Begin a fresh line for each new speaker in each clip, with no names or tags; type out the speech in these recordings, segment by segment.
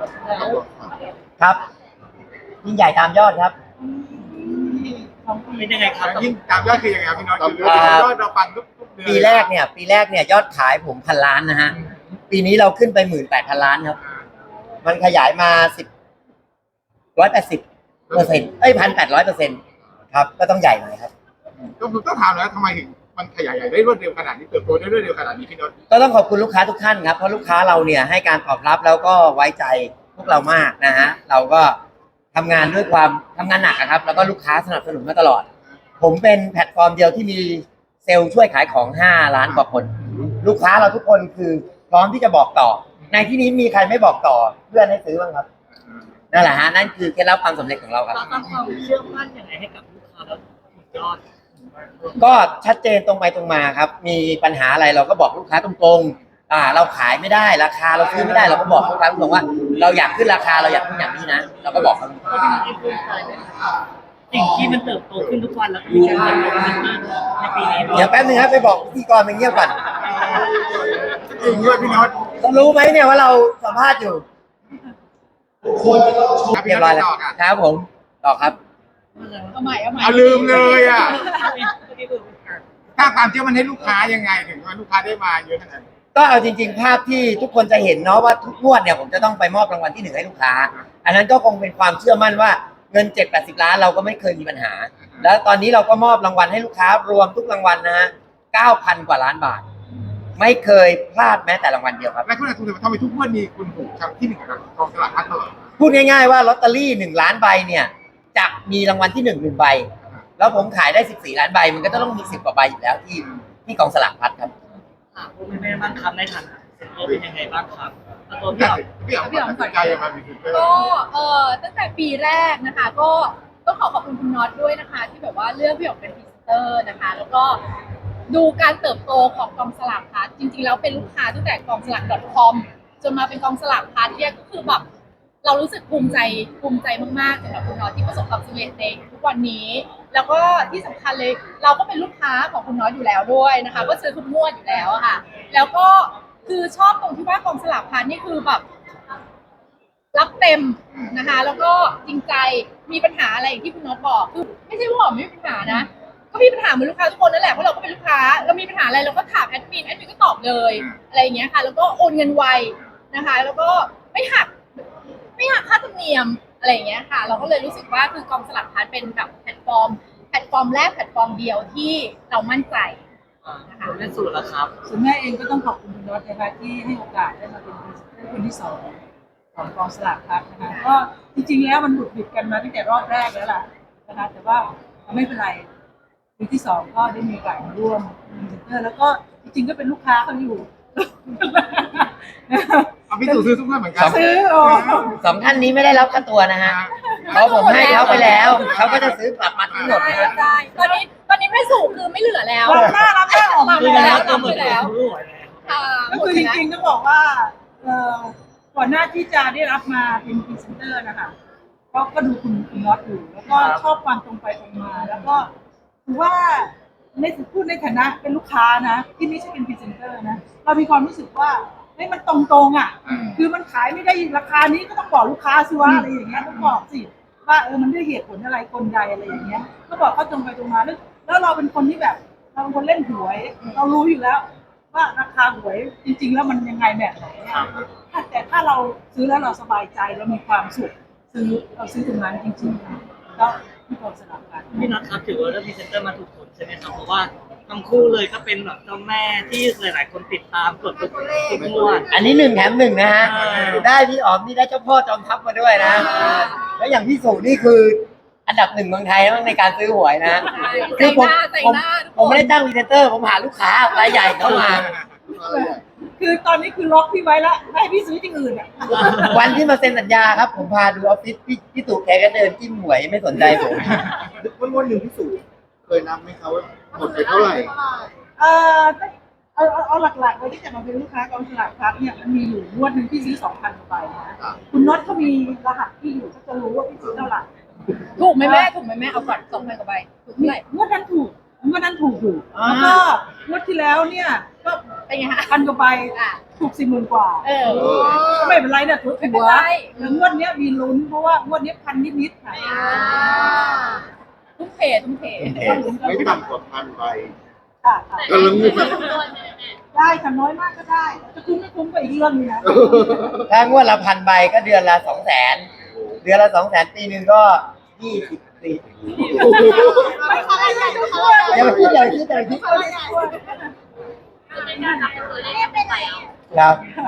ครับยิ่งใหญ่ตามยอดครับ
เป็นยังไงครับ
ยิ่งตามยอดคือยังไงครับพี่น็อตคือยอดเราฟังทุกเดือน
ปีแรกเนี่ยยอดขายผม1,000 ล้านนะฮะปีนี้เราขึ้นไป18,000 ล้านครับมันขยายมา180%1,800%ครับก็ต้องใหญ่หน่อยครับ
ต้องถามแล้วทำไมถึงมันขยายใหญ่ได้รวดเร็วขนาดนี้เติบโตได้รวดเร็วขนาดนี้พี่น็อต
ก็ต้องขอบคุณลูกค้าทุกท่านครับเพราะลูกค้าเราเนี่ยให้การตอบรับแล้วก็ไว้ใจพวกเรามากนะฮะเราก็ทำงานด้วยความทำงานหนักครับแล้วก็ลูกค้าสนับสนุนมาตลอดผมเป็นแพลตฟอร์มเดียวที่มีเซลล์ช่วยขายของ5 ล้านกว่าคนลูกค้าเราทุกคนคือพร้อมที่จะบอกต่อในที่นี้มีใครไม่บอกต่อเพื่อนให้ซื้อบ้างครับนั่นแหละฮะนั่นคือเคล็ดลับความสำเร็จของเราครับ
เราตั้งความเชื่อมั่นยังไงให้กับลูกค้าแบบยอด
ก็ชัดเจนตรงไปตรงมาครับมีปัญหาอะไรเราก็บอกลูกค้าตรงๆเราขายไม่ได้ราคาเราซื้อไม่ได้เราก็บอกลูกค้าตรงๆว่าเราอยากขึ้นราคาเราอยากขึ้นอย่างนี้นะเราก็บอกเขา
สิ่งที่มันเติบโตขึ้นทุกวันแล้วก็มีการเติบโตขึ้นในปีนี้
เดี๋ยวแป๊บนึงครับไปบอกพิธีกรไปเงียบก่อน
จริงด้วยพี่น็อต
ต้องรู้ไหมเนี่ยว่าเราสัมภาษณ์อยู่เรียบร้อยแล้วครับผมต่อครับ
เอาลืมเลยอ่ะถ้าความเชื่อมันให้ลูกค้ายังไงถึงว่าลูกค้าได้มาเยอะขนาดนี้
ก็เอาจริงๆภาพที่ทุกคนจะเห็นเนาะว่าทุกงวดเนี่ยผมจะต้องไปมอบรางวัลที่1ให้ลูกค้าอันนั้นก็คงเป็นความเชื่อมั่นว่าเงิน7-80 ล้านเราก็ไม่เคยมีปัญหาแล้วตอนนี้เราก็มอบรางวัลให้ลูกค้ารวมทุกรางวัลนะฮะ 9,000 กว่าล้านบาทไม่เคยพลาดแม้แต่รางวัลเดียวครับ
และคุณอาทุนทำไมทุกงวดมีคุณถูกครั้งที่หนึ่งกับกองสลากพัดตลอด
พูดง่ายๆว่าลอตเตอรี่1 ล้านใบเนี่ยจะมีรางวัลที่1ใบแล้วผมขายได้14 ล้านใบมันก็ต้องมี10 กว่าใบอยู่แล้วที่กองสลากพัดครับ
พวกแม่บ้างครับในฐานะเซ็นเตอร์เป็นยังไงบ้างครับตัว
พี่อ๋อมสนใจยังไงมีคุณ
ก็ตั้งแต่ปีแรกนะคะก็ต้องขอบคุณคุณน็อตด้วยนะคะที่แบบว่าเลือกพี่อ๋อมเป็นพรีเซนเตอร์นะคะแล้วก็ดูการเติบโตของกองสลากพัดจริงๆแล้วเป็นลูกค้าตั้งแต่กองสลาก .com จนมาเป็นกองสลากพัดเนี่ยก็คือแบบเรารู้สึกภูมิใจมากๆสำหรับคุณน็อตที่ประสบความสำเร็จในทุกวันนี้แล้วก็ที่สำคัญเลยเราก็เป็นลูกค้าของคุณน็อตอยู่แล้วด้วยนะคะก็ซื้อทุกงวดอยู่แล้วอะค่ะแล้วก็คือชอบตรงที่ว่ากองสลากพัดนี่คือแบบรับเต็มนะคะแล้วก็จริงใจมีปัญหาอะไรอย่างที่คุณน็อตบอกคือไม่ใช่ว่าหอมไม่มีปัญหานะก็มีปัญหาเหมือนลูกค้าทุกคนนั่นแหละเพราะเราก็เป็นลูกค้าเรามีปัญหาอะไรเราก็ถามแอดมินก็ตอบเลยอะไรอย่างเงี้ยค่ะแล้วก็โอนเงินไวนะคะแล้วก็ไม่หักค่าธรรมเนียมอะไรอย่างเงี้ยค่ะเราก็เลยรู้สึกว่าคือกองสลากพัดเป็นแบบแพลตฟอร์มแรกแพลตฟอร์มเดียวที่เรามั่นใจ
นะคะเล่นสูตรแล้วครับ
ส่วนแม่เองก็ต้องขอบคุณคุณน็อตนะคะที่ให้โอกาสได้มาเป็นคนที่2ของกองสลากพัดนะคะก็จริงๆแล้วมันบุดบิดกันมาตั้งแต่รอบแรกแล้วล่ะนะคะแต่ว่าไม่เป็นไรปีที่2ก็ได้มีโอกาสมาร่วมเป็นพรีเซนเตอร์แล้วก็จริงๆก็เป็นลูกค้าเขาอยู่
พี่ตู่ซื้อทุกงวดเหมือนกัน
ซื้อ
2 ท่านนี้ไม่ได้รับค่าตัวนะฮะเพราะผมให้เขาไปแล้วเขาก็จะซื้อกลับมาทั้งหมดนะ
ใช่ตอนนี้ไม่สูงคือไม่เหลือแล้ว
รับหน้าออกมา
แล้ว
ก็คือจริงๆต้องบอกว่าก่อนหน้าที่จะได้รับมาเป็นพรีเซนเตอร์นะคะก็ดูคุณน็อตอยู่แล้วก็ชอบความตรงไปตรงมาแล้วก็ถือว่าพูดในฐานะเป็นลูกค้านะที่ไม่ใช่เป็นพรีเซนเตอร์นะเรามีความรู้สึกว่ามันตรงๆอ่ะคือมันขายไม่ได้ราคานี้ก็ต้องบอกลูกค้าสิว่าอะไรอย่างเงี้ยต้องบอกสิว่ามันด้วยเหตุผลอะไรคนใดอะไรอย่างเงี้ยก็บอกเขาตรงไปตรงมาแล้วเราเป็นคนที่แบบเราเป็นคนเล่นหวยเรารู้อยู่แล้วว่าราคาหวยจริงๆแล้วมันยังไงแบบไหนแต่ถ้าเราซื้อแล้วเราสบายใจเรามีความสุขเราซื้อตรงนั้นจริงๆแล้วที่กองสลากพัด
พี่น็อตครับถือว่าได้พรีเซนเตอร์มาถูกคนใช่ไหมครับเพราะว่าทั้งคู่เลยก็เป็นแบบเจ้าแม่ที่หลายๆคนติดตามกดทุกงวด
อันนี้1 แถม 1นะฮะได้พี่อ๋อมนี่ได้เจ้าพ่อจอมทัพมาด้วยนะแล้วอย่างพี่สุนี่คืออันดับ1เมืองไทยในการซื้อหวยนะ
คือ
ผมไม่ได้ตั้งพรีเซนเตอร์ผมหาลูกค้ารายใหญ่เข้ามา
คือตอนนี้คือล็อกพี่ไว้แล้วไม่ให้พี่ซื้อที่อื่นอ่ะ
วันที่มาเซ็นสัญญาครับผมพาดูออฟฟิศพี่ตู่แกก็เดินจิ้มหวยไม่สนใจผม
วันหนึ่งพี่ตู่เคยนับไหมครับว่าหมดไปเท่าไหร่
เอาหลักๆเลยที่จะมาเป็นลูกค้ากองสลากพัดเนี่ยมันมีอยู่งวดหนึ่งที่ซื้อ 2,000 กว่าใบนะคุณน็อตเขามีรหัสที่อยู่ก็จะรู้ว่าพี่ซื้อเท่าไหร่
ถูกไหมแม่เอาก่อน2,000 กว่าใบถูกเท่าไหร่
งวดนั้นถูกอยู่แล้วก็งวดที่แล้วเนี่ยก็
เป็นไงคะ
พันกว่าใบ
อ่ะ
ถูก40,000 กว่า
เออ
ก็ไม่เป็นไรเนี่ยถือ
ไม่
หั
เป็น
ว
ไร
แล้วงวดเนี้ยมีลุ้นเพราะว่างวดเนี้ยพันนิดๆค่ะ
ทุ่มเททุ่มเท
ไม่ต่ำกว่า1,000 ใบ
ค่ะ
ก็ลุ้นอยู่
ได้ค่ะน้อยมากก็ได้จะคุ้มไม่คุ้มก็อีกเรื่องนึงนะ
ถ้างวดละ1,000 ใบก็เดือนละ200,000เดือนละ200,000ปีหนึ่งก็20 ปี
ไม่ขนาดนั้นทุกคน
อย่าไปคิดอย่าไปคิดอย่าไปคิดครับ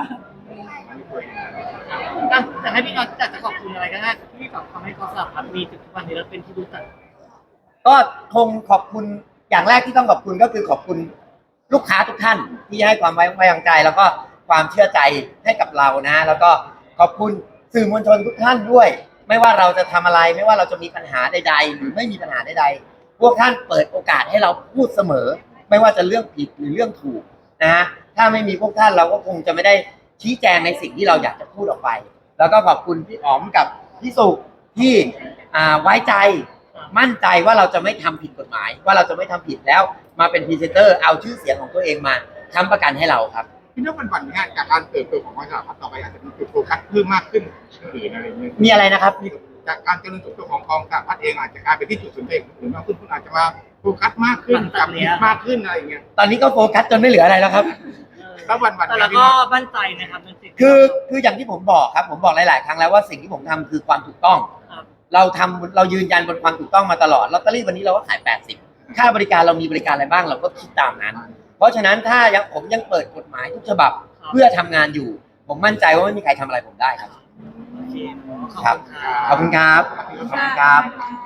แต่ให้พี่น็อตจะขอบคุณอะไรก็ได้ที่แบบทำให้กองสลากพลัดมีถึงทุกวันนี้แล้วเป็นที่รู้จัก
ก็คงขอบคุณอย่างแรกที่ต้องขอบคุณก็คือขอบคุณลูกค้าทุกท่านที่ให้ความไว้วางใจ แล้วก็ความเชื่อใจให้กับเรานะ แล้วก็ขอบคุณสื่อมวลชนทุกท่านด้วย ไม่ว่าเราจะทำอะไรไม่ว่าเราจะมีปัญหาใดๆหรือไม่มีปัญหาใดๆพวกท่านเปิดโอกาสให้เราพูดเสมอ ไม่ว่าจะเรื่องผิดหรือเรื่องถูกนะฮะถ้าไม่มีพวกท่านเราก็คงจะไม่ได้ชี้แจงในสิ่งที่เราอยากจะพูดออกไป แล้วก็ขอบคุณพี่อ๋อมกับพี่สุที่ไว้ใจมั่นใจว่าเราจะไม่ทำผิดกฎหมาย ว่าเราจะไม่ทำผิดแล้วมาเป็นพรีเซนเตอร์เอาชื่อเสียงของตัวเองมาค้ำประกันให้เราครับ
พี่น้องมันฝันงานจากการเติบโตของกองสลากพลัดต่อไปอาจจะมีจุดโฟกัสเพิ่มมากขึ้นอื่นอะไรอย่างเงี้ย
มีอะไรนะครับ
จากการเจริญเติบโตของกองสลากพลัดเองอาจจะกลายเป็นที่จุดสนใจหรือมากขึ้นคุณอาจจะมาโฟกัสมากขึ้นกับผิดมากขึ้นอะไรอย่างเงี้ย
ตอนนี้ก็โฟกัสจนไม่เหลืออะไรแล้วครับ
แล้ววัน
แต่เราก็มั่นใจนะครับในสิ่งที่
คืออย่างที่ผมบอกครับผมบอกหลาย ๆ ครั้งแล้วว่าสิ่งที่ผมทำคือความถูกต้อง
ครับ
เรายืนยันบนความถูกต้องมาตลอดลอตเตอรี่วันนี้เราก็ขาย80ค่าบริการเรามีบริการอะไรบ้างเราก็คิดตามนั้น เพราะฉะนั้นถ้าผมยังเปิดกฎหมายทุกฉบับเพื่อทำงานอยู่ ผมมั่นใจว่าไม่มีใครทำอะไรผมได้ครับ
โอเคขอบ
ครับ
คุณครับ
ขอบคุณครับขอบคุณครับ